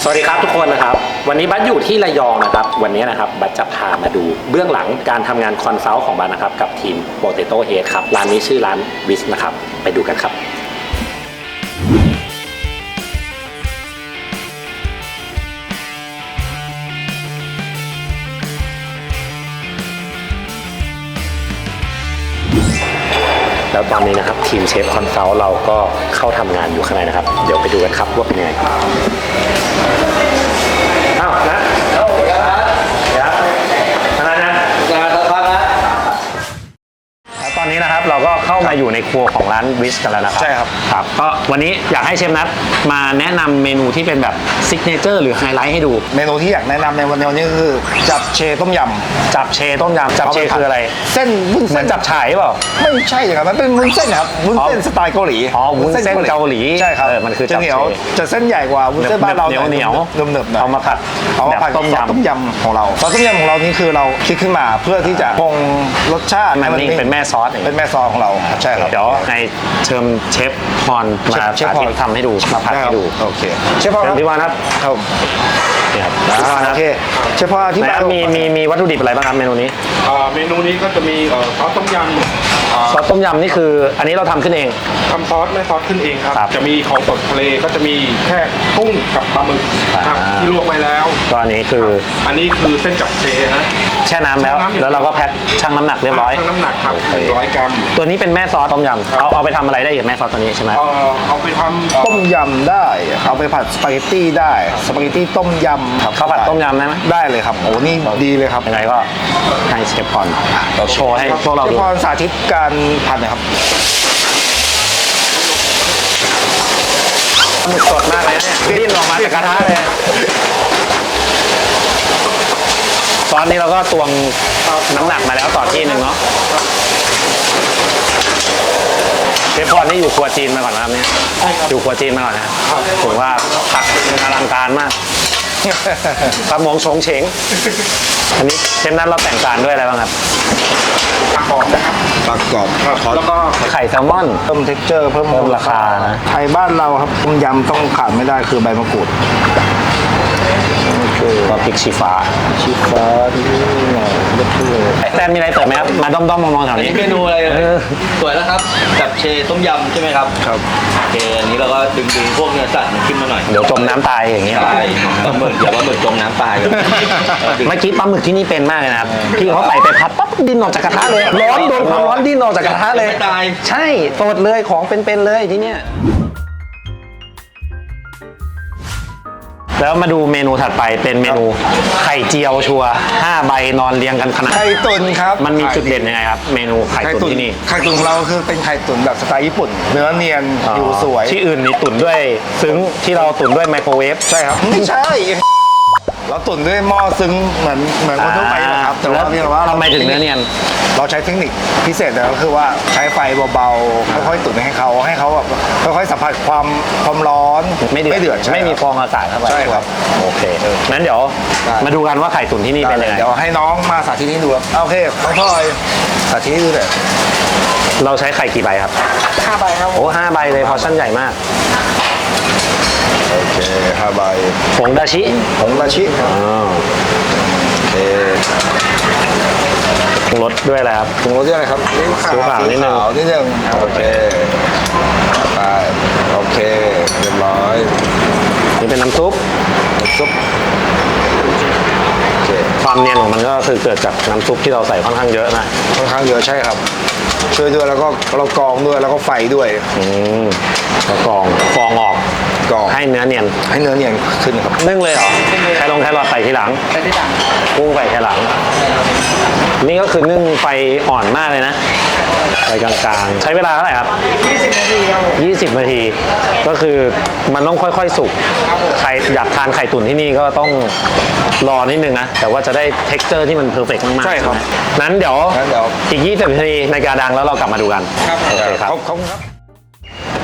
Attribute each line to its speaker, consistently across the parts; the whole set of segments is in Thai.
Speaker 1: สวัสดีครับทุกคนนะครับวันนี้บัสอยู่ที่ระยองนะครับวันนี้นะครับบัสจะพามาดูเบื้องหลังการทำงานคอนซัลท์ของบัสนะครับกับทีม Potato Head ครับร้านนี้ชื่อร้านวิสนะครับไปดูกันครับแล้วตอนนี้นะครับทีมเชฟคอนซัลท์เราก็เข้าทำงานอยู่ข้างในนะครับเดี๋ยวไปดูกันครับว่าเป็นยังไงอ้าวนะเดี๋ยวนะตอนนี้นะครับเราก็เข้ามาอยู่ในครัวของร้านวิสกันแล้วนะครับ
Speaker 2: ใช่ครับ
Speaker 1: ครับก็วันนี้อยากให้เชฟนัทมาแนะนำเมนูที่เป็นแบบซิกเนเจอร์หรือไฮไลท์ให้ดู
Speaker 2: เมนูที่อยากแนะนำในวันนี้ก็คือจับเชต้มยำ
Speaker 1: จับเชต้มยำจับเชคืออะไร
Speaker 2: เส้นวุ้นเส้น
Speaker 1: เหมือนจับฉ่ายเปล่า
Speaker 2: ไม่ใช่ครับมันเป็นวุ้นเส้นครับวุ้นเส้นสไตล์เกาหลี
Speaker 1: วุ้นเส้นเกาหลี
Speaker 2: ใช่ครับ
Speaker 1: มันคือ
Speaker 2: จะเหนียวจะเส้นใหญ่กว่าวุ้นเส้นบ้านเรา
Speaker 1: เหนียว
Speaker 2: เนิบๆ
Speaker 1: เอามาผัด
Speaker 2: ต้มยำของเราซอสต้มยำของเรานี่คือเราคิดขึ้นมาเพื่อที่จะคงรสชาติ
Speaker 1: มันเป็นแม่ซอส
Speaker 2: เป็นแม่ซอสของเราใช่ครับ
Speaker 1: เดี๋ยวในเชิญเชฟพรมาสาธิตทำให้ดูมาผัดให้ดู
Speaker 2: โอเคเชฟพร
Speaker 1: พี่วานครับ
Speaker 2: นี่ครับโอเคเชฟพรที่บ้าน
Speaker 1: มีวัตถุดิบอะไรบ้างครับเมนูนี้
Speaker 3: เมนูนี้ก็จะมีซอสต้มยำ
Speaker 1: ซอสต้มยำนี่คืออันนี้เราทำขึ้นเอง
Speaker 3: ทำซอสแม่ซอสขึ้นเองครับจะมีของสดทะเลก็จะมีแค่กุ้งกับปลาหมึกครับที่ลวกไว้แล้ว
Speaker 1: ก็อันนี้คือ
Speaker 3: เส้นจับเชฮะ
Speaker 1: แช่น้ำแล้วเราก็แพ็คชั่งน้ำหนักเรียบร้อย
Speaker 3: ชั่งน้ำหนักครับ100 กรัม
Speaker 1: ตัวนี้เป็นแม่ซอสต้มยำเอาไปทำอะไรได้อีกแม่ซอสตัวนี้ใช่ไหม
Speaker 3: เอาไปทำ
Speaker 2: ต้มยำได้เอาไปผัดสปาเกตตี้ได้สปาเกตตี้ต้มยำ
Speaker 1: ข้าวผัดต้มยำได้ไหม
Speaker 2: ได้เลยครับโอ้นี่ดีเลยครับ
Speaker 1: ยังไงก็ให้เชฟพรโชว์ให้พวกเราดู
Speaker 2: เชฟพรสาธิตการผัดหน่อยครับ
Speaker 1: หมึกสดมากเลยเนี่ยดิ้นออกมาจากกระทะเลยตอนนี้เราก็ตวงน้ำหนักมาแล้วต่อที่หนึ่งเนาะเชฟพรนี่อยู่ครัวจีนมาก่อนนะครับเนี่ยอยู่ครัวจีนมาก่อนนะถือว่าผัดอลังการมากกระมงชงเฉงอันนี้เชฟนั้นเราแต่งจานด้วยอะไรบ้างครับ
Speaker 3: ปลากรอบนะครับ
Speaker 2: ปลากรอบ
Speaker 3: แล้วก็
Speaker 1: ไข่แซลมอน
Speaker 2: เพิ่มเท็กเจอร์เพิ่ม
Speaker 1: ราคานะ
Speaker 2: ไทยบ้านเราครับต้มยำต้องขาดไม่ได้คือใบมะกรูด
Speaker 1: ก็พริกชี้ฟ้า
Speaker 2: ที่หน่อย
Speaker 1: แซนมีอะไรเติมไหมครับมาด้อมๆมองๆแถวนี้
Speaker 4: เมนูอะไรสวยแล้วครับจับเชต้มยำใช่ไหมครับ
Speaker 2: ครับ
Speaker 4: โอเคอันนี้เราก็ดึงพวกเนื้อสัตว์ขึ้นมาหน่อย
Speaker 1: เดี๋ยวจมน้ำตายอย่างนี้
Speaker 4: ใช่ปลาหมึกเดี๋ยวปลาหมึกจมน้ำตาย
Speaker 1: เมื่อกี้ปลาหมึกที่นี่เป็นมากเลยนะครับพี่เขาใส่ไปพัดปั๊บดิ้นออกจากกระทะเลยร้อนโดนความร้อนดิ้นออกจากกระทะเลย
Speaker 4: ตาย
Speaker 1: ใช่สดเลยของเป็นๆเลยที่เนี้ยแล้วมาดูเมนูถัดไปเป็นเมนูไข่เจียวชัว5 ใบนอนเรียงกันขนาด
Speaker 2: ไข่ตุ๋นครับ
Speaker 1: มันมีจุดเด่นยังไงครับเมนูไข่ตุ๋นที่นี่
Speaker 2: ไข่ตุ๋นของเราคือเป็นไข่ตุ๋นแบบสไตล์ญี่ปุ่นเนื้อเนียนอยู่สวย
Speaker 1: ที่อื่นนี่ตุ๋นด้วยซึ้งที่เราตุ๋นด้วยไมโครเวฟ
Speaker 2: ใช่ครับไม่ใช่เราตุ๋นด้วยหม้อซึ้งเหมือนคนทั่วไปนะครับแต่ว่า
Speaker 1: ทำไมถึงเนื้อเนียน
Speaker 2: เราใช้เทคนิคพิเศษก็คือว่าใช้ไฟเบาๆค่อยๆตุ๋นให้เขาแบบค่อยๆสัมผัสความร้อน
Speaker 1: ไม่เดือดไม่มีฟองอากาศเข้าไป
Speaker 2: ใช่ครับ
Speaker 1: โอเคงั้นเดี๋ยวมาดูกันว่าไข่ตุ๋นที่นี่เป็นยังไง
Speaker 2: เดี๋ยวให้น้องมาสาธิตให้ดูโอเคน้องพลอยสาธิตให้ดูเลย
Speaker 1: เราใช้ไข่กี่ใบครับ
Speaker 2: 5 ใบครับ
Speaker 1: โอ้5 ใบเลยพอชั่นใหญ่มาก
Speaker 2: โอเค5 ใบ
Speaker 1: ผงดาชิ
Speaker 2: โอเค
Speaker 1: ปรุงรสด้วยอะไรครับ
Speaker 2: ปรุงรสด้วยอะไรครับ
Speaker 1: ซีอิ๊วขาวนิดนึง
Speaker 2: โอเคไปโอเคเรียบร้อย
Speaker 1: นี่เป็นน้ำซุปความเนียนของมันก็คือเกิดจากน้ำซุปที่เราใส่ค่อนข้างเยอะนะ
Speaker 2: ค่อนข้างเยอะใช่ครับช่วยด้วยแล้วก็เรากรองด้วยแล้วก็ไฟด้วย
Speaker 1: แล้วกรองฟองออกให้เนื้อเนียน
Speaker 2: ขึ้นครับ
Speaker 1: นึ่งเลยเหรอแค่รอใส่ทีหลังกุ้งใส่ทีหลังนี่ก็คือนึ่งไฟอ่อนมากเลยนะไฟกลางๆใช้เวลาเท่าไหร่ครับ20 นาที20 นาทีก็คือมันต้องค่อยๆสุกใครอยากทานไข่ตุ๋นที่นี่ก็ต้องรอนิดนึงนะแต่ว่าจะได้ texture ที่มันเพอร์เฟกต์มากๆ
Speaker 2: ใช่ครับ
Speaker 1: นั้นเดี๋ยวอีก20 นาทีในกาดังแล้วเรากลับมาดูกัน
Speaker 2: ครับโอเคครับขอบคุณครับ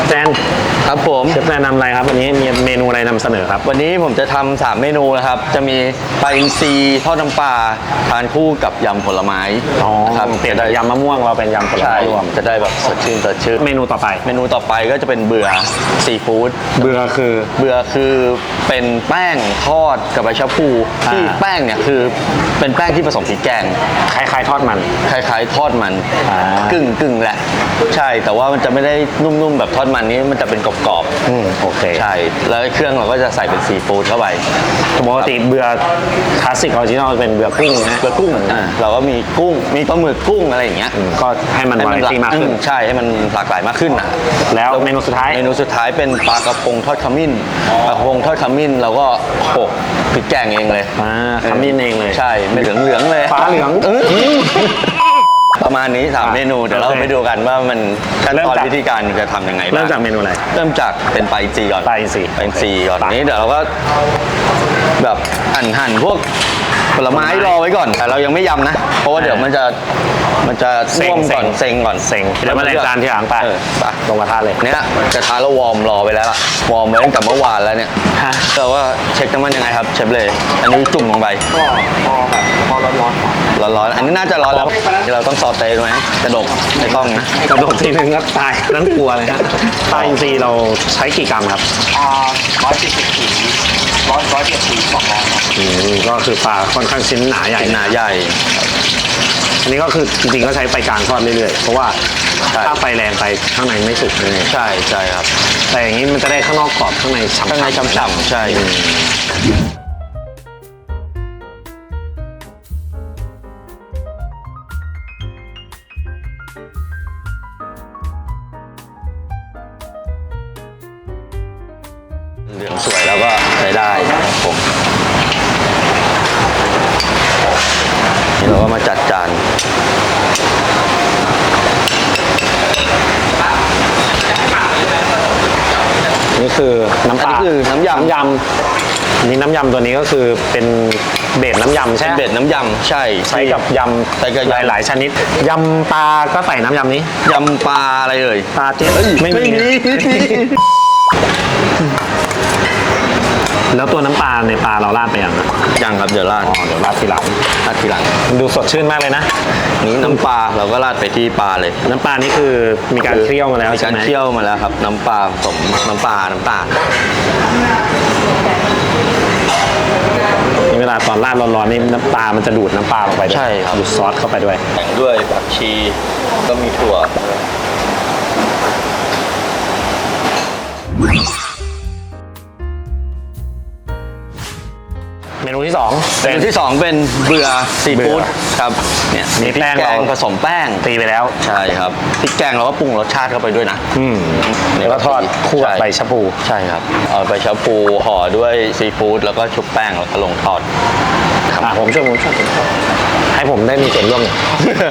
Speaker 1: แซน
Speaker 4: ครับผม
Speaker 1: เชฟแซนนำอะไรครับวันนี้มีเมนูอะไรนำเสนอครับ
Speaker 4: วันนี้ผมจะทำ3เมนูนะครับ จะมีปลาอินทรีทอดน้ำปลาทานคู่กับยำผลไม้
Speaker 1: อ๋อ
Speaker 4: นะครับ
Speaker 1: เปลี่ยน
Speaker 4: จะ
Speaker 1: จาก
Speaker 4: ได้
Speaker 1: ยำมะม่วงเราเป็นยำผล
Speaker 4: ใช่
Speaker 1: ไม้รวม
Speaker 4: จะได้แบบสดชื่นสดชื่น
Speaker 1: เมนูต่อไป
Speaker 4: เมนูต่อไปก็จะเป็นเบื่อซีฟู้ด
Speaker 1: เบื่อคือ
Speaker 4: เบื่อคือเป็นแป้งทอดกับใบชะพูที่
Speaker 1: อ่า
Speaker 4: แป้งเนี่ยคือเป็นแป้งที่ผสมพริกแกง
Speaker 1: คล้ายๆทอดมัน
Speaker 4: คล้ายๆทอดมัน
Speaker 1: อ่าก
Speaker 4: ึ่งแหละ ใช่แต่ว่ามันจะไม่ได้นุ่มๆแบบทอดมันนี้มันจะเป็นกรอบ
Speaker 1: โอเค
Speaker 4: ๆใช่แล้วเครื่องเราก็จะใส่เป็นซีฟู้ดเข้าไป
Speaker 1: ปกติเบื่อคลาสสิกออริจินอลเป็นเบื่อกุ้งนะ
Speaker 4: เบอร์กุ้งเราก็มีกุ้งมีปลาหมึกกุ้งอะไรอย่างเงี้ย
Speaker 1: ก็ให้มันวาไรตี้มากขึ้น
Speaker 4: ใช่ให้มันหลากหลายมากขึ้นนะ
Speaker 1: แล้วเมนูสุดท้าย
Speaker 4: เมนูสุดท้ายเป็นปลากระพงทอดขมิ้นปลากระพงทอดขมิ้นเราก็โขลกพริกแกงเองเลย
Speaker 1: ขมิ้นเองเลย
Speaker 4: ใช่ไม่เหลืองเลย
Speaker 1: ฟ้าเหลือง
Speaker 4: ประมาณนี้3เมนูเดี๋ยวเรา
Speaker 1: โอเค
Speaker 4: ไปดูกันว่ามันขั้น
Speaker 1: เริ่ม
Speaker 4: ตอน
Speaker 1: จาก
Speaker 4: วิธีการจะทำยังไงบ้าง
Speaker 1: เริ่มจากเมนูอะไร
Speaker 4: เริ่มจากเป็นปลาอินทรีก่อน
Speaker 1: ปลาอินทรี
Speaker 4: ปลาอินทรีก่อนนี้เดี๋ยวเราก็แบบหั่นพวกผลไม้รอไว้ก่อนแต่เรายังไม่ยำนะ เพราะว่าเดี๋ยวมันจะน่วมก่อนเซ็งก่อน
Speaker 1: เซ็งเดี๋ยวมาแรงจานที่หลังไป
Speaker 4: ไป
Speaker 1: ลงกระทะเลย
Speaker 4: เนี่ยกระทะเราวอร์มรอไปแล้วล่ะวอร์มไว้ตั้งแต่เมื่อวานแล้วเนี่ย
Speaker 1: ฮะ
Speaker 4: แต่ว่าเช็คน้ำมันยังไงครับเชฟเลยอันนี้จุ่มลงไป
Speaker 3: พอร้อนๆ
Speaker 4: ร้อนๆอันนี้น่าจะร้อนแล้วเราต้องซอสเต้ไหมกระดกไม่ต้องนะ
Speaker 1: กระโดดทีนึงก็ตายนั่นกลัวเลยฮะปลาอินทรีเราใช้กี่กรัมครับ
Speaker 2: 170 ถึง 170 200 ครับ
Speaker 1: ก็คือปลาค่อนข้างชิ้นหนาใหญ่
Speaker 4: หนาใหญ่
Speaker 1: อันนี้ก็คือจริงๆก็ใช้ไฟกลางทอดเรื่อยๆ เพราะว่า
Speaker 4: ใช่
Speaker 1: ถ้าไฟแรงไปข้างในไม่สุกเลย
Speaker 4: ใช่ครับ
Speaker 1: แต่อย่างนี้มันจะได้ข้างนอกกรอบข้างในฉ่ำๆ
Speaker 4: ข้างในฉ่ำๆใช่ เหลืองสวยแล้วก็ใช้ได้ครับผมนี่เราก็มาจัดจาน
Speaker 1: นี่คือน้ำป
Speaker 4: อัน
Speaker 1: ลา
Speaker 4: นี้คือน้ำยำ
Speaker 1: น้ำยำนี่น้ำยำตัวนี้ก็คือเป็นเบสน้ำยำใช่ไหม
Speaker 4: เบ็ดน้ำยำใช่
Speaker 1: ใช้กับย
Speaker 4: ใช้กับ
Speaker 1: ำ
Speaker 4: ยำ
Speaker 1: หลายๆชนิดยำปลาก็ใส่น้ำยำนี้
Speaker 4: ยำปลาอะไรเอ่ย
Speaker 1: ปลาเจ๊ไม่มี แล้วตัวน้ำปลาในปลาเราราดไปยังนะ
Speaker 4: ยังครับเดี๋ยวราด
Speaker 1: อ๋อเดี๋ยวราดทีหลัง
Speaker 4: ราดทีหลัง
Speaker 1: มันดูสดชื่นมากเลยนะ
Speaker 4: นี้น้ำปลาเราก็ราดไปที่ปลาเลย
Speaker 1: น้ำปลานี่คือมีการเคี่ยวมาแล้ว
Speaker 4: มี
Speaker 1: ใช่
Speaker 4: การ
Speaker 1: ไหม
Speaker 4: เคี่ยวมาแล้วครับ น้ำปลาผสมน้ำปลาน้ำตาล
Speaker 1: นี่เวลาตอนราดร้อนๆนี่น้ำปลามันจะดูดน้ำปลาลงไปด้วย
Speaker 4: ใช่ครับ
Speaker 1: ดูดซอสเข้าไปด้วย
Speaker 4: แต่งด้วยผักชีก็มีถั่ว
Speaker 1: เมนูที่สอง
Speaker 4: เมนูที่ 2 เป็นเบื่อซีฟู้ด
Speaker 1: เบื่อ
Speaker 4: ครับเนี่ย
Speaker 1: มี
Speaker 4: มีพริ
Speaker 1: แป้
Speaker 4: ก
Speaker 1: ง
Speaker 4: แกง
Speaker 1: เรา
Speaker 4: ผสมแป้ง
Speaker 1: ตีไปแล้ว
Speaker 4: ใช่ครับพริกแกงเราก็ปรุงรสชาติเข้าไปด้วยนะ
Speaker 1: แล้วก็ทอดคู่กับใบชะพู
Speaker 4: ใช่ครับเอาใบชะพูห่อด้วยซีฟู้ดแล้วก็ชุบแป้งแล้วก็ลงทอดครับ
Speaker 1: ผมช่วยให้ผมได้มีส่วนร่วมหน่อย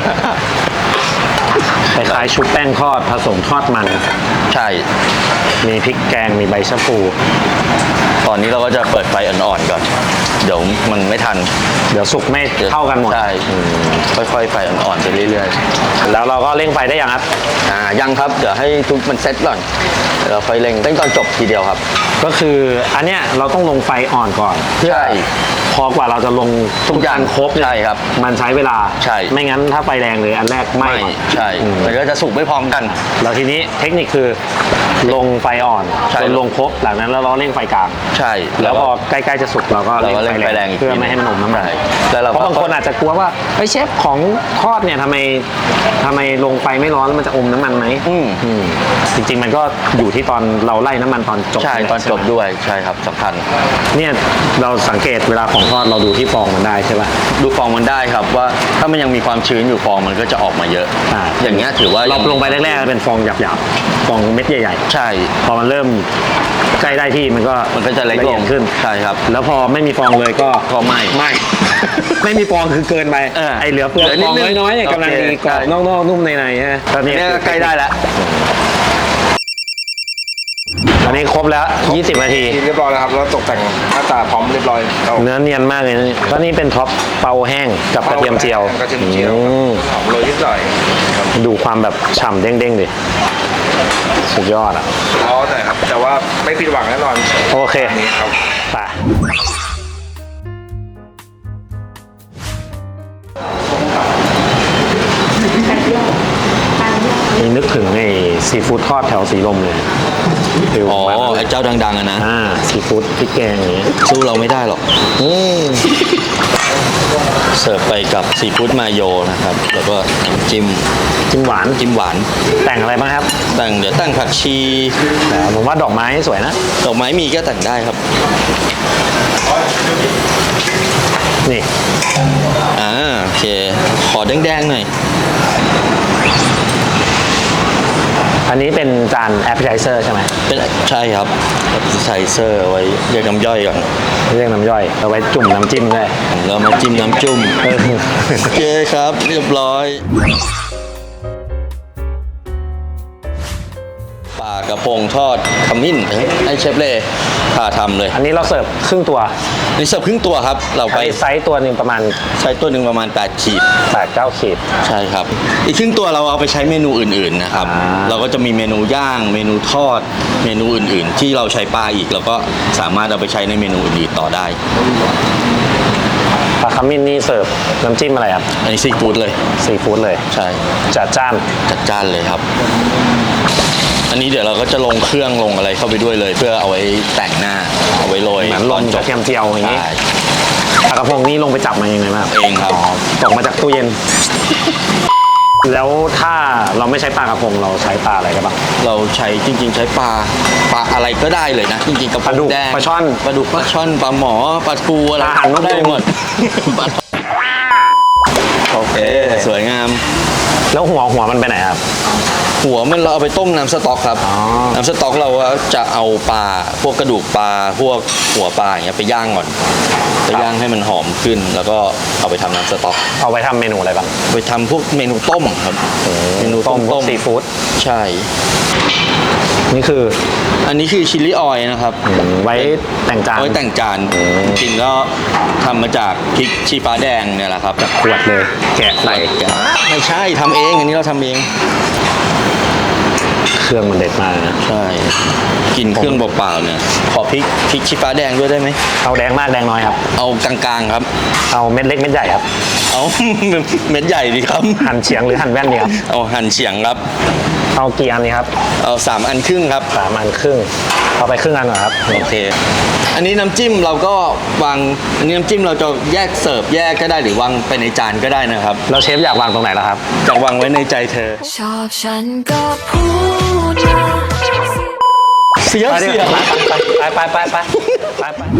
Speaker 1: คล้ายๆชุบแป้งทอดผสมทอดมัน
Speaker 4: ใช่
Speaker 1: มีพริกแกงมีใบชะพู
Speaker 4: ตอนนี้เราก็จะเปิดไฟอ่อนๆก่อนเดี๋ยวมันไม่ทัน
Speaker 1: เดี๋ยวสุกไม่เท่ากันหมด
Speaker 4: ใช่ค่อยๆไฟอ่อนๆไปเรื่อยๆ
Speaker 1: แล้วเราก็เร่งไฟได้ยังครับ
Speaker 4: ยังครับเดี๋ยวให้ทุกมันเซ็ตก่อนเดี๋ยวเราค่อยเร่งตอนจบทีเดียวครับ
Speaker 1: ก็คืออันเนี้ยเราต้องลงไฟอ่อนก่อน
Speaker 4: ใช่
Speaker 1: พอกว่าเราจะลงทุกอย่างครบเนี่ย
Speaker 4: ใช่ครับ
Speaker 1: มันใช้เวลา
Speaker 4: ใช่
Speaker 1: ไม่งั้นถ้าไฟแรงเลยอันแรกไหม้
Speaker 4: ใช่มันก็จะสุกไม่พร้อมกัน
Speaker 1: แล้วทีนี้เทคนิคคือลงไฟอ่อน
Speaker 4: ใช่
Speaker 1: จนลงครบหลังนั้นแล้วเราเร่งไฟกลาง
Speaker 4: ใช่
Speaker 1: แล้วพอใกล้ๆจะสุกเราก็
Speaker 4: เราก็เร่งไฟแรงอีก
Speaker 1: เพื่อไม่ให้มันอมน้ำมัน
Speaker 4: ใช่แล้วเรา
Speaker 1: เพราะบางคนอาจจะกลัวว่าเฮ้ยเชฟของทอดเนี่ยทำไมลงไฟไม่ร้อนแล้วมันจะอมน้ำมันไหมจริงๆมันก็อยู่ที่ตอนเราไล่น้ำมันตอนจบ
Speaker 4: ใช่ตอนจบ
Speaker 1: ใช่ไหม
Speaker 4: ด้วยใช่ครับสำคัญ
Speaker 1: เนี่ยเราสังเกตเวลาของทอดเราดูที่ฟองมันได้ใช่ป่ะ
Speaker 4: ดูฟองมันได้ครับว่าถ้ามันยังมีความชื้นอยู่ฟองมันก็จะออกมาเยอะ อย่างเงี้ยถือว่า
Speaker 1: เราลงไปแรกๆเป็นฟองหยาบๆฟองเม็ดใหญ่
Speaker 4: ใช่
Speaker 1: ๆพอมันเริ่มใกล้ได้ที่มันก็
Speaker 4: จะเล็ก
Speaker 1: ละ
Speaker 4: ล
Speaker 1: เอีย
Speaker 4: ง
Speaker 1: ดขึ้น
Speaker 4: ใช่ครับ
Speaker 1: แล้วพอไม่มีฟองเลยก็
Speaker 4: ไหม้
Speaker 1: ไม่ ไม่มีฟองคือเกินไป ไอเหลือเปลือก
Speaker 4: เหลือนิ
Speaker 1: ฟ
Speaker 4: ด
Speaker 1: อง
Speaker 4: นึง
Speaker 1: น้อยๆเนี่ยกำลัง
Speaker 4: โอเค
Speaker 1: ดีกรอบ
Speaker 4: ใช่
Speaker 1: นอกๆนุ่มในๆฮะตอนนี้
Speaker 4: เนี่ย
Speaker 1: คือ
Speaker 4: ใกล้ได้แล้ว
Speaker 1: อันนี้ครบแล้ว 20 นาที
Speaker 2: กินเรียบร้อยแล้วครับแล้วตกแต่งหน้าตาพร้อมเรียบร้อยเรา
Speaker 1: เนื้อเนียนมากเลยนะแล้วนี่เป็นท็อปเปาแห้งกับกระเทียมเจียว
Speaker 2: กระเทียมเจียว
Speaker 1: อืม
Speaker 2: หอมโรยนิดหน่อยครับ
Speaker 1: ดูความแบบฉ่ำเด้งๆดิสุดยอดอ่ะ
Speaker 2: ร้อนหน่อยครับแต่ว่าไม่ผิดหวังแน่นอน
Speaker 1: โอเค
Speaker 2: อันนี้ครับ
Speaker 1: ไปนี่นึกถึงไอ้ซีฟู้ดทอดแถวสีลมเลยฟิล
Speaker 4: อ๋อ
Speaker 1: ประมาณนั้น
Speaker 4: ไอ้เจ้าดังๆอะนะ
Speaker 1: ซีฟู้ดพริกแกงอย่างนี้
Speaker 4: สู้เราไม่ได้หรอก
Speaker 1: อืม
Speaker 4: เสิร์ฟไปกับซีฟู้ดมาโยนะครับ แล้วก็น้ำจิ้ม
Speaker 1: จิ้มหวาน
Speaker 4: จิ้มหวาน
Speaker 1: แต่งอะไรบ้างครับ
Speaker 4: เดี๋ยวตั้งผักชี
Speaker 1: แต่ผมว่าดอกไม้สวยนะ
Speaker 4: ดอกไม้มีก็แต่งได้ครับ
Speaker 1: นี่
Speaker 4: โอเค ขอแดงๆหน่อย
Speaker 1: อันนี้เป็นจาน appetizer ใช่ไหม
Speaker 4: ใช่ครับไซเซอร์ไว้เรียกน้ำย่อยก่อน
Speaker 1: เรียกน้ำย่อยเอาไว้จุ่มน้ำจิ้มด้วย
Speaker 4: แล้วมาจิ้มน้ำจุ่ม
Speaker 1: เออ
Speaker 4: โอเคครับ เรียบร้อยปลากระพงทอดขมิ้นให้เชฟเล่พาทำเลย
Speaker 1: อันนี้เราเสิร์ฟครึ่งตัว
Speaker 4: นี่เสิร์ฟครึ่งตัวครับ เราไป
Speaker 1: ไซส์ตัวหนึ่งประมาณ
Speaker 4: ใช้ตัวหนึ่งประมาณ 8 ขีด
Speaker 1: 8-9 ขีด
Speaker 4: ใช่ครับ อีกครึ่งตัวเราเอาไปใช้เมนูอื่นๆนะครับ
Speaker 1: อ่า
Speaker 4: เราก็จะมีเมนูย่าง เมนูทอด เมนูอื่นๆ ที่เราใช้ปลาอีกเราก็สามารถเอาไปใช้ในเมนูอื่นๆต่อได้
Speaker 1: ปลาขมิ้นนี่เสิร์ฟน้ำจิ้มอะไรครับ
Speaker 4: อันนี้ซีฟู้ดเลย
Speaker 1: ซีฟู้ดเลย
Speaker 4: ใช่
Speaker 1: จัดจ้าน
Speaker 4: จัดจ้านเลยครับ อันนี้เดี๋ยวเราก็จะลงเครื่องลงอะไรเข้าไปด้วยเลย เพื่อเอาไว้แต่งหน้า เอาไว้โรย
Speaker 1: เหมือนลงกระเทียมเจียวอย่างนี้
Speaker 4: ใช่
Speaker 1: ปลากระพงนี่ลงไปจับมายังไงบ้าง
Speaker 4: เองครับ
Speaker 1: ตกมาจากตู้เย็น แล้วถ้าเราไม่ใช้ปลากระพงเราใช้ปลาอะไรกันบ้าง
Speaker 4: เราใช้จริงๆ ใช้ปลาอะไรก็ได้เลยนะ จริงๆกระพ
Speaker 1: ปลาดุ
Speaker 4: ง
Speaker 1: ก
Speaker 4: แดง
Speaker 1: ปลาช่อน
Speaker 4: ปลาดุกปลาช่อนปลาหมอปลาทูอะไร
Speaker 1: อาหารนก
Speaker 4: ได้
Speaker 1: ยุง
Speaker 4: หมด โอเค สวยงาม
Speaker 1: แล้วหัวมันไปไหนครับ
Speaker 4: หัวมันเราเอาไปต้มน้ำสต๊อกครับ
Speaker 1: อ๋อ
Speaker 4: น้ำสต๊อกเราจะเอาปลาพวกกระดูกปลาพวกหัวปลาอย่างเงี้ยไปย่างก่อนไปย่างให้มันหอมขึ้น แล้วก็เอาไปทำน้ำสต๊อก
Speaker 1: เอาไปทำเมนูอะไรบ้าง
Speaker 4: ไปทำพวกเมนูต้มครับเมนูต้ม
Speaker 1: พวกซีฟู้ด
Speaker 4: ใช่
Speaker 1: นี่คือ
Speaker 4: อันนี้คือชิลลี่ออยล์นะครับ
Speaker 1: ไว้แต่งจาน
Speaker 4: เอาไว้แต่งจานจริงๆก็ทำมาจากพริกชี้ฟ้าแดงเนี่ยแหละครับ
Speaker 1: ขวดเลย แกะใส่
Speaker 4: ไม่ใช่ทำเองอันนี้เราทำเอง
Speaker 1: เครื่องมันเด็ดมากนะ
Speaker 4: ใช่ กินเครื่องเปล่าๆเนี่ยขอพริกชี้ฟ้าแดงด้วยได้ไหม
Speaker 1: เอาแดงมากแดงน้อยครับ
Speaker 4: เอากลางๆครับ
Speaker 1: เอาเม็ดเล็กเม็ดใหญ่ครับ
Speaker 4: เอา เม็ดใหญ่ดีครับ
Speaker 1: หั่นเฉียงหรือหั่นแว่นดีครับ
Speaker 4: เอาหั่นเฉียงครับ
Speaker 1: เอากี่อันดีครับ
Speaker 4: เอา3 อันครึ่งครับ
Speaker 1: 3 อันครึ่ง เอาไปครึ่งอันเหรอครับ
Speaker 4: โอเค อันนี้น้ำจิ้มเราก็วาง อันนี้น้ำจิ้มเราจะแยกเสิร์ฟแยกก็ได้หรือวางไปในจานก็ได้นะครับ
Speaker 1: แล้วเชฟอยากวางตรงไหนล่ะครับ
Speaker 4: จะวางไว้ในใจเธอ
Speaker 5: ชอบฉันก็พูดมา
Speaker 4: เสียว
Speaker 1: ไปดิ
Speaker 4: เสียว
Speaker 1: ไป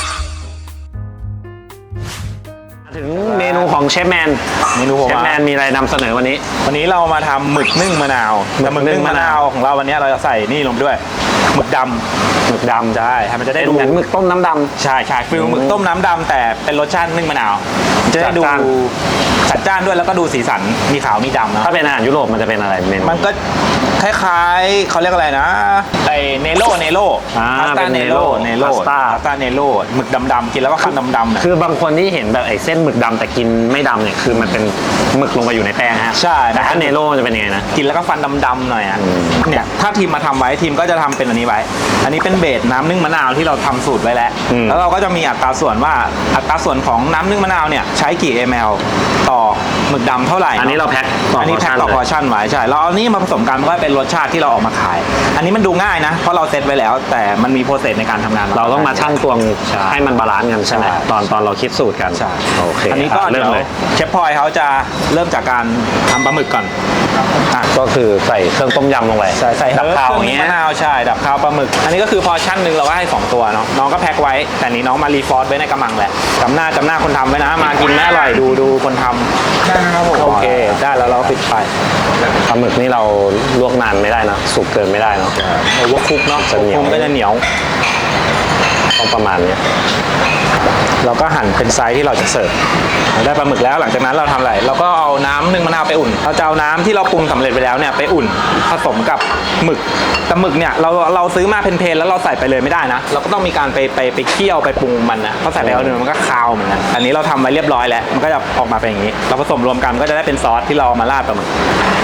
Speaker 1: ถึงเมนูของเชฟแมน
Speaker 2: เมนูผม
Speaker 1: เชฟ
Speaker 2: อะ
Speaker 1: แมนมีอะไรนำเสนอวันนี้
Speaker 2: วันนี้เรามาทำหมึกนึ่งมะนาวแต่หมึกนึ่งมะนาวของเราวันนี้เราจะใส่นี่ลงไปด้วยหมึกดำ
Speaker 1: หมึกดำ
Speaker 2: ใช่ให้มันจะ
Speaker 1: เป็
Speaker 2: ได้
Speaker 1: น
Speaker 2: ดู
Speaker 1: เหมือนหมึกต้มน้ำด
Speaker 2: ใช่ใช่ฟิลหมึกต้มน้ำดำแต่เป็นรสชาตินึ่งมะนาวจะได้ดู
Speaker 1: จัดจ้าน
Speaker 2: จัดจ้านด้วยแล้วก็ดูสีสันมีขาวมีดำ
Speaker 1: ำ
Speaker 2: นะ
Speaker 1: ถ้าเป็นอาหารยุโรปมันจะเป็นอะไรเมนู
Speaker 2: มันก็คล้ายๆเขาเรียกอะไรนะไอเนโร่
Speaker 1: อ่า
Speaker 2: พาสต้า
Speaker 1: เป็น
Speaker 2: เนโร่
Speaker 1: พาสต้า
Speaker 2: เนโร่หมึกดำๆกินแล้วก็คันดำๆเนี่ย
Speaker 1: คือบางคนที่เห็นแบบไอ้เส้นหมึกดำแต่กินไม่ดำเนี่ยคือมันเป็นหมึกลงไปอยู่ในแป้งฮะ
Speaker 2: ใช่
Speaker 1: แต่ถ้าเนโร่มันจะเป็นยังไงนะ
Speaker 2: กินแล้วก็ฟันดำๆหน่อยอ่ะเนี่ยถ้าทีมมาทำไว้ทีมก็จะทำเป็นอันนี้ไว้ อันนี้เป็นเบสน้ำนึ่งมะนาวที่เราทำสูตรไว้แล้ว แล้วเราก็จะมีอัตราส่วนว่าอัตราส่วนของน้ำนึ่งมะนาวเนี่ยใช้กี่ ml ต่อหมึกดำเท่าไหร่
Speaker 1: อันนี้เราแพ็คต่อ
Speaker 2: อันนี้แพ็คต่อพอร์ชั่นไว้ใช่เราเอานี่มาผสมกันมันก็เป็นรสชาติที่เราออกมาขาย อันนี้มันดูง่ายนะเพราะเราเซตไว้แล้ว แต่มันมีโปรเซสในการทำงาน
Speaker 1: เราต้องมาชั่งตวง
Speaker 2: ใช่
Speaker 1: ให้มันบาลานซ์กันใช่ไหม
Speaker 2: ใช่
Speaker 1: ตอนเราคิดสูตรกัน
Speaker 2: ใช่
Speaker 1: โอเค
Speaker 2: อันนี้ก็
Speaker 1: เริ่
Speaker 2: เดี๋
Speaker 1: ม
Speaker 2: ยว
Speaker 1: เลย
Speaker 2: เชฟพลอยเขาจะเริ่มจากการทำปลาหมึกก่อนอ่ะ
Speaker 1: ก็คือใส่เครื่องต้มยำลงไป
Speaker 2: ใส่
Speaker 1: ดับ
Speaker 2: เฮิร์บ
Speaker 1: คาว
Speaker 2: เค
Speaker 1: อ
Speaker 2: รื่อง
Speaker 1: ย่าง
Speaker 2: นึ่ง
Speaker 1: เงี้ย
Speaker 2: มะนาวใช่ดับคาวปลาหมึก อันนี้ก็คือพอชั่นหนึ่งเราก็ให้2ตัวเนาะน้องก็แพ็คไว้แต่นี้น้องมารีฟอร์สไว้ในกระมังแหละจำหน้าคนทำไว้นะมากินแม่อร่อยดูคนทำได้ครับผมโอเคได้แล้วเราก็ปิดไฟ
Speaker 1: ปลาหมึกนี่เราลวกนานไม่ได้นะสุกเกินไม่ได้เนาะ
Speaker 2: โอเวอร์คุกเนาะ
Speaker 1: จะเหนียว
Speaker 2: คุกก็จะเหนียว
Speaker 1: ต้องประมาณเนี้ย
Speaker 2: เราก็หั่นเป็นไซส์ที่เราจะเสิร์ฟได้ปลาหมึกแล้วหลังจากนั้นเราทำอะไรเราก็เอาน้ำนึ่งมะนาวไปอุ่นเราจะเอาน้ำที่เราปรุงสำเร็จไปแล้วเนี่ยไปอุ่นผสมกับหมึกแต่หมึกเนี่ยเราซื้อมาเพนๆแล้วเราใส่ไปเลยไม่ได้นะเราก็ต้องมีการไปเคี่ยวไปปรุงมันนะเพราะใส่ไปแล้วเนี่ยมันก็คาวเหมือนกันอันนี้เราทำไว้เรียบร้อยแล้วมันก็จะออกมาเป็นอย่างนี้เราผสมรวมกันก็จะได้เป็นซอสที่เรามาราดปลาหมึก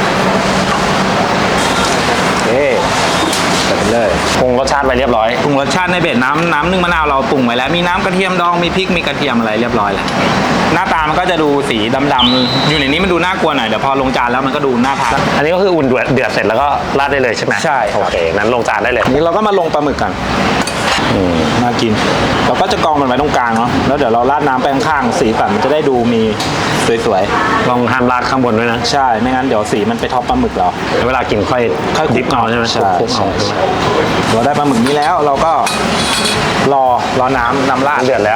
Speaker 2: โอเคใส่ไปเลย
Speaker 1: ปรุงรสชาติไปเรียบร้อย
Speaker 2: ปรุงรสชาติในเบ็ดน้ำนึ่งมะนาวเราปรุงไว้แล้วมีน้ำกระเทียมดองมีพริกมีกระเทียมอะไรเรียบร้อยแล้วหน้าตามันก็จะดูสีดำๆอยู่ในนี้มันดูน่ากลัวหน่อยเดี๋ยวพอลงจานแล้วมันก็ดูน่าทาน
Speaker 1: อันนี้ก็คืออุ่นเดือดเสร็จแล้วก็ราดได้เลยใช่ไหม
Speaker 2: ใช่ครับ
Speaker 1: โอเคนั้นลงจานได้เลย
Speaker 2: นี่เราก็มาลงปลาหมึกกันน่ากินเราก็จะกองมันไว้ตรงกลางเนาะแล้วเดี๋ยวเราราดน้ำไปข้างๆสีสันมันจะได้ดูมีสวย
Speaker 1: ลองห้ามราดข้างบนด้วยนะ
Speaker 2: ๆใช่ไม่งั้นเดี๋ยวสีมันไปท็อปปลาหมึกเรา
Speaker 1: เวลากินค่อยดิบเอาใช่ไหม
Speaker 2: ใช่
Speaker 1: คลุกเอา
Speaker 2: เราได้ปลาหมึกนี้แล้วเราก็รอน้ำราด
Speaker 1: เดือดแล้ว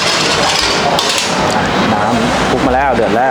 Speaker 2: น้ำคลุกมาแล้วเดือดแล้ว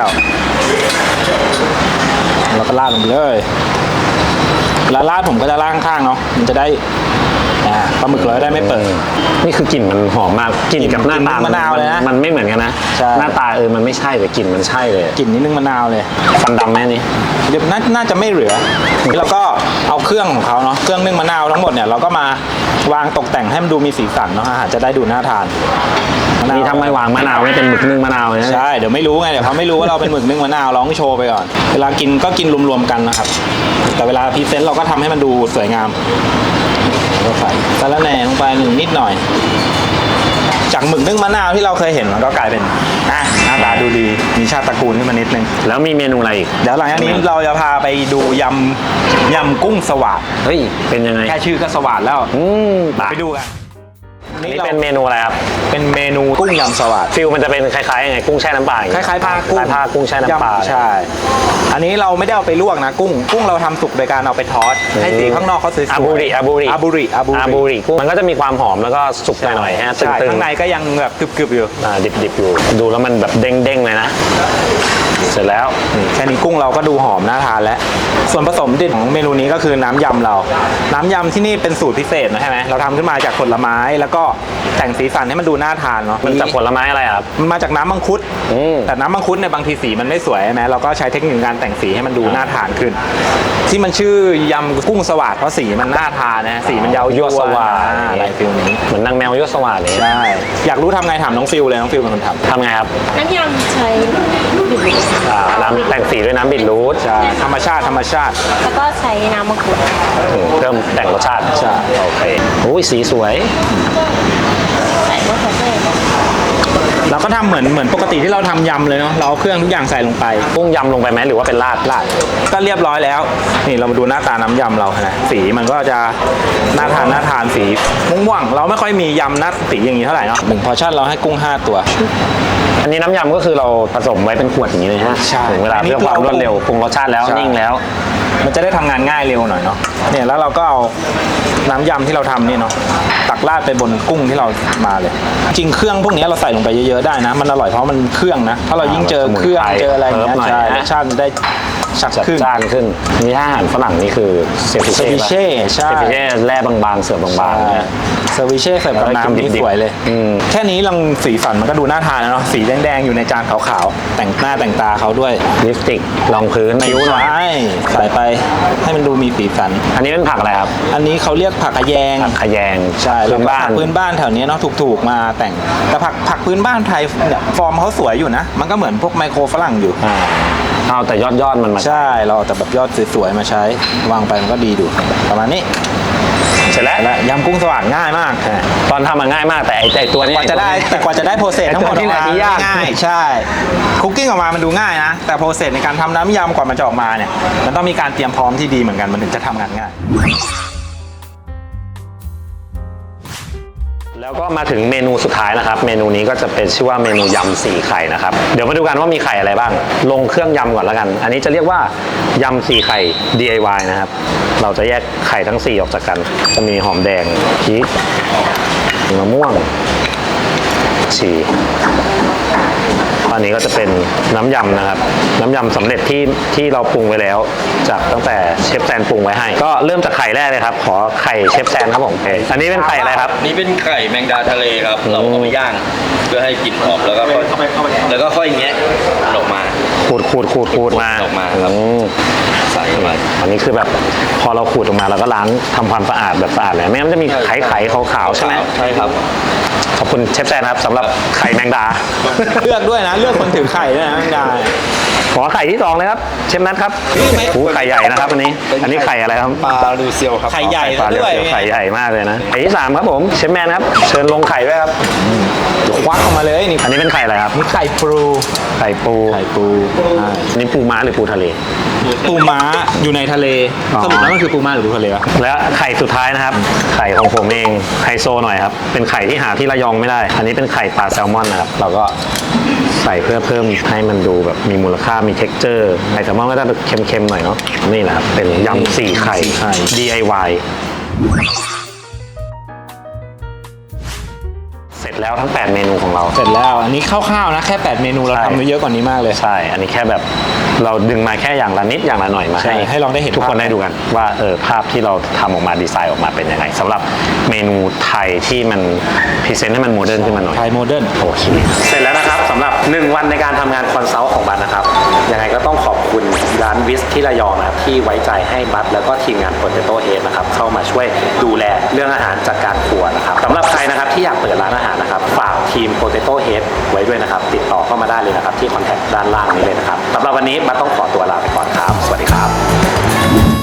Speaker 2: เราก็ราดลงไปเลยแล้วราดผมก็จะราดข้างๆเนาะมันจะได้ปลาหมึกเราจะได้ไม่เปิด
Speaker 1: นี่คือกลิ่นมันหอมมากกลิ่นกับหน้าตาก
Speaker 2: ลิ่นมะนาวเลยนะ
Speaker 1: มันไม่เหมือนกันนะ
Speaker 2: ใช่
Speaker 1: หน้าตามันไม่ใช่แต่กลิ่นมันใช่เลย
Speaker 2: กลิ่นนิดนึงมะนาวเลย
Speaker 1: ฟันดำไหมนี่
Speaker 2: เดี๋ยวน่าจะไม่เหลือเราก็เอาเครื่องของเขาเนาะเครื่องนึ่งมะนาวทั้งหมดเนี่ยเราก็มาวางตกแต่งให้มันดูมีสีสันเนาะอาหารจะได้ดูน่าทานมะนาว
Speaker 1: นี่ทำไมวางมะนาวไม่เป็นหมึกนึ่งมะนาวเนี่ย
Speaker 2: ใช่เดี๋ยวไม่รู้ไงเดี๋ยวเขาไม่รู้ว่าเราเป็นหมึกนึ่งมะนาวร้องโชว์ไปก่อนเวลากินก็กินรวมๆกันนะครับแต่เวลาพรีเซนต์เราก็ทำให้มันดูสวยงามก็ใส่สะระแหน่ลงไปนิดหน่อยจากหมึกนึ่งมะนาวที่เราเคยเห็นมันก็กลายเป็นหน้าตาดูดีมีชาติตระกูลขึ้นมานิดนึง
Speaker 1: แล้วมีเมนูอะไรอีก
Speaker 2: เดี๋ยวหลังจากนี้เราจะพาไปดูยำกุ้งสวาด
Speaker 1: เฮ้ยเป็นยังไง
Speaker 2: แค่ชื่อก็สวาดแล้ว
Speaker 1: ไป
Speaker 2: ไปดูกัน
Speaker 1: นี่เป็นเมนูอะไรครับ
Speaker 2: เป็นเมนูกุ้งยำสวาด
Speaker 1: ฟิลมันจะเป็นคล้ายๆยังไงกุ้งแช่น้ำปลาอย่าง
Speaker 2: ค
Speaker 1: เงี้
Speaker 2: ล้ายๆผ้ากุ้ง
Speaker 1: ผ้ากุ้งแช่น้ำปลา
Speaker 2: ใช่ อันนี้เราไม่ได้เอาไปลวกนะกุ้งเราทำสุกโดยการเอาไปทอดให้สีข้างนอกเขาสวยๆ
Speaker 1: อาบูริ
Speaker 2: อาบูริ
Speaker 1: กุ้งมันก็จะมีความหอมแล้วก็สุกหน่อยๆฮะ
Speaker 2: ใช่
Speaker 1: ตึง
Speaker 2: ข้างในก็ยังแบบกรึบๆอยู่
Speaker 1: ดิบๆอยู่ดูแล้วมันแบบเด้งๆเลยนะเสร็จแล้ว
Speaker 2: แค่นี้กุ้งเราก็ดูหอมน่าทานแล้วส่วนผสมเด็ดของเมนูนี้ก็คือน้ำยำเราน้ำยำที่นี่เป็นสูตรพิเศษนะใช่ไหมเราทำขึ้นมาจากผลไม้แล้วก็แต่งสีสันให้มันดูน่าทานเนาะ
Speaker 1: มันจากผลไม้อะไรครับ
Speaker 2: มันมาจากน้ำมังคุดแต่น้ำมังคุดเนี่ยบางทีสีมันไม่สวยใช่ไหมเราก็ใช้เทคนิคการแต่งสีให้มันดูน่าทานขึ้น ที่มันชื่อยำกุ้งสวาดเพราะสีมันน่าทานนะสีมันยาว
Speaker 1: ยั่วสวาด
Speaker 2: อะไรฟิลนี้
Speaker 1: เหมือนนางแมวยั่วสวาดเลย
Speaker 2: ใช่อยากรู้ทำไงถามน้องฟิลเลยน้องฟิลเป็นคนทำ
Speaker 1: ทำไงครับ
Speaker 5: น้ำยำใช้บิดรูท
Speaker 1: น้ำแต่งสีด้วยน้ำบิดรูท
Speaker 2: ใช่ธรรมชาติ
Speaker 5: แล้วก็ใช้น้ำมะกรูด
Speaker 1: เพิ่มแต่งรสชาติ
Speaker 2: ใช่
Speaker 1: โอเคโอ้ยสีสวย
Speaker 5: ใส่มะเขือเทศ
Speaker 2: เราก็ทำเหมือนปกติที่เราทำยำเลยเนาะเราเอาเครื่องทุกอย่างใส่ลงไป
Speaker 1: กุ้งยำลงไปไหมหรือว่าเป็นราด
Speaker 2: ก็เรียบร้อยแล้วนี่เรามาดูหน้าตาน้ำยำเรานะสีมันก็จะน่าทานสีม่วงๆเราไม่ค่อยมียำหน้าสีอย่างนี้เท่าไหร่เนาะ1 พอร์ชั่นเราให้กุ้ง5 ตัว
Speaker 1: อันนี้น้ำยำก็คือเราผสมไว้เป็นขวดอย่างนี้เลยฮะ
Speaker 2: ใช่
Speaker 1: ถึงเวลาเพื่อความรวดเร็วปรุงรสชาติแล้ว
Speaker 2: ใช่
Speaker 1: นิ่งแล้ว
Speaker 2: มันจะได้ทำงานง่ายเร็วหน่อยเนาะเนี่ยแล้วเราก็เอาน้ำยำที่เราทำนี่เนาะตักราดไปบนกุ้งที่เรามาเลย จริงเครื่องพวกนี้เราใส่ลงไปเยอะๆได้นะมันอร่อยเพราะมันเครื่องนะถ้าเรายิ่งเจอเครื่องเจออะไรอย่างเงี้ยใช่รสชาติมันได้ชัด
Speaker 1: จัด
Speaker 2: ขึ้น
Speaker 1: จ้านขึ้นนี่ถ้าอาหารฝรั่งนี่คือเซฟิ
Speaker 2: เซฟิเช่ใช่
Speaker 1: เซฟิเช่แร่บางๆเสือบางๆนะ
Speaker 2: เซอร์วิเช่เสิร์ฟกับน้ำที่สวยเลย แค่นี้ลังสีสันมันก็ดูน่าทานแล้วเนาะสีแดงๆอยู่ในจานขาวๆแต่งหน้าแต่งตาเขาด้วย
Speaker 1: ลิปสติกรองพื้นคิ้วหน่อย
Speaker 2: ใช่ใส่ไปให้มันดูมีสีสัน
Speaker 1: อันนี้เป็นผักอะไรครับ
Speaker 2: อันนี้เขาเรียกผักกระแยง
Speaker 1: ผักขยง
Speaker 2: ใช่
Speaker 1: พื้นบ้าน
Speaker 2: ผักพื้นบ้านแถวนี้เนาะถูกๆมาแต่งแต่ผักพื้นบ้านไทยเนี่ยฟอร์มเขาสวยอยู่นะ มันก็เหมือนพวกไมโครฝรั่งอยู่
Speaker 1: เอาแต่ยอดมันมา
Speaker 2: ใช่เราเอาแต่แบบยอดสวยๆมาใช้วางไปมันก็ดีดูประมาณนี้
Speaker 1: เสร็จแล้ว
Speaker 2: และยำกุ้งสว่างง่ายมาก
Speaker 1: ตอนทำมันง่ายมากแต่ไอ้ตัวนี้
Speaker 2: กว่าจะได้โปรเซสทั้งหมด
Speaker 1: ไอ้ตัวที่ไหน
Speaker 2: ออกมา
Speaker 1: ที่ยาก
Speaker 2: ง่ายใช่คุกกิ้งออกมามันดูง่ายนะแต่โปรเซสในการทำน้ำยำกว่ามันจะออกมาเนี่ยมันต้องมีการเตรียมพร้อมที่ดีเหมือนกันมันถึงจะทำงานง่าย
Speaker 1: แล้วก็มาถึงเมนูสุดท้ายนะครับ เมนูนี้ก็จะเป็นชื่อว่าเมนูยำ4 ไข่นะครับเดี๋ยวมาดูกันว่ามีไข่อะไรบ้าง ลงเครื่องยำก่อนแล้วกัน อันนี้จะเรียกว่ายำ4 ไข่ DIY นะครับเราจะแยกไข่ทั้ง4ออกจากกันจะมีหอมแดงพริกมะม่วงชีอันนี้ก็จะเป็นน้ำยำนะครับน้ำยำสำเร็จที่เราปรุงไว้แล้วจากตั้งแต่เชฟแซนปรุงไว้ให้ก็เริ่มจากไข่แรกเลยครับขอไข่เชฟแซนครับผมอันนี้เป็นไข่อะไรครับ
Speaker 4: นี่เป็นไข่แมงดาทะเลครับ เราเอาไปย่างเพื่อให้กลิ่นออกแล้วก็ค่อยแงะมันออกมา
Speaker 1: ขูดมา
Speaker 4: ออกมาครับ ใส่เข้าไป
Speaker 1: อันนี้คือแบบพอเราขูดออกมาเราก็ล้างทำความสะอาดแบบสะอาดเลยไม่งั้นมันจะมีไข่ขาวๆใช่ไหม
Speaker 4: ใช่ครับ
Speaker 1: ขอบคุณเชฟแซนนะครับสำหรับไข่แมงดา
Speaker 2: เลือกด้วยนะ เลือกคนถือไข่ด้วยนะไม่ได้
Speaker 1: ขอไข่ที่สองเลยครับเชฟนัทครับโอ้ไข่ใหญ่นะครับอันนี้ไข่อะไรครับ
Speaker 4: ปลาลูเซียวครับ
Speaker 2: ไข่ใหญ่
Speaker 1: ปลาเรี
Speaker 2: ด้วย
Speaker 1: ยวๆไข่ใหญ่มากเลยนะไข่ที่สามครับผมเชฟแมนครับเชิญลงไข่ด้วยครับ
Speaker 2: ควักออกมาเลยนี่
Speaker 1: อันนี้เป็นไข่อะไรครับ
Speaker 2: นี่ไข่ปู
Speaker 1: ไข่ปู อันนี้ปูม้าหรือปูทะเล
Speaker 2: ปูม้าอยู่ในทะเล
Speaker 1: อ๋อ
Speaker 2: สรุปแล้วมันคือปูม้าหรือปูทะเลวะ
Speaker 1: และไข่สุดท้ายนะครับ ไข่ของผมเองไฮโซหน่อยครับ เป็นไข่ที่หาที่ระยองไม่ได้ อันนี้เป็นไข่ปลาแซลมอนนะครับ เราก็ใส่เพื่อเพิ่มให้มันดูแบบมีมูลค่ามี texture ไข่แซลมอนก็จะเค็มๆหน่อยเนาะ นี่แหละครับ เป็นยำ4 ไข่ DIY เสร็จแล้วทั้ง 8 เมนูของเรา
Speaker 2: เสร็จแล้ว อันนี้คร่าวๆนะ แค่ 8 เมนูเรา
Speaker 1: ใช่
Speaker 2: ทำไว้เยอะกว่านี้มากเลย
Speaker 1: ใช่ อันนี้แค่แบบเราดึงมาแค่อย่างละนิดอย่างละหน่อยมา
Speaker 2: ใช่ให้ลองได้เห็น
Speaker 1: ทุกคน
Speaker 2: ภาพ
Speaker 1: ได้ดูกันว่าภาพที่เราทำออกมาดีไซน์ออกมาเป็นยังไงสำหรับเมนูไทยที่มันพรีเซนต์ให้มันโมเดิร์นขึ้นมาหน่อย
Speaker 2: ไทยโมเดิร์น
Speaker 1: โอเคเสร็จแล้วนะครับสำหรับ 1 วันในการทำงานคอนซัลท์ของบัตนะครับยังไงก็ต้องขอบคุณร้านวิสที่ระยองนะครับที่ไว้ใจให้บัตแล้วก็ทีมงาน Potato Head นะครับเข้ามาช่วยดูแลเรื่องอาหารจากการครัวนะครับสำหรับใครนะครับที่อยากเปิดร้านอาหารนะครับฝากทีม Potato Head ไว้ด้วยนะครับติดต่อเข้ามาได้เลยนะครับที่คอนแทคด้านล่างนี้เลยนะครับสำหรับวันนี้บัตต้องขอตัวลาไปก่อนครับสวัสดีครับ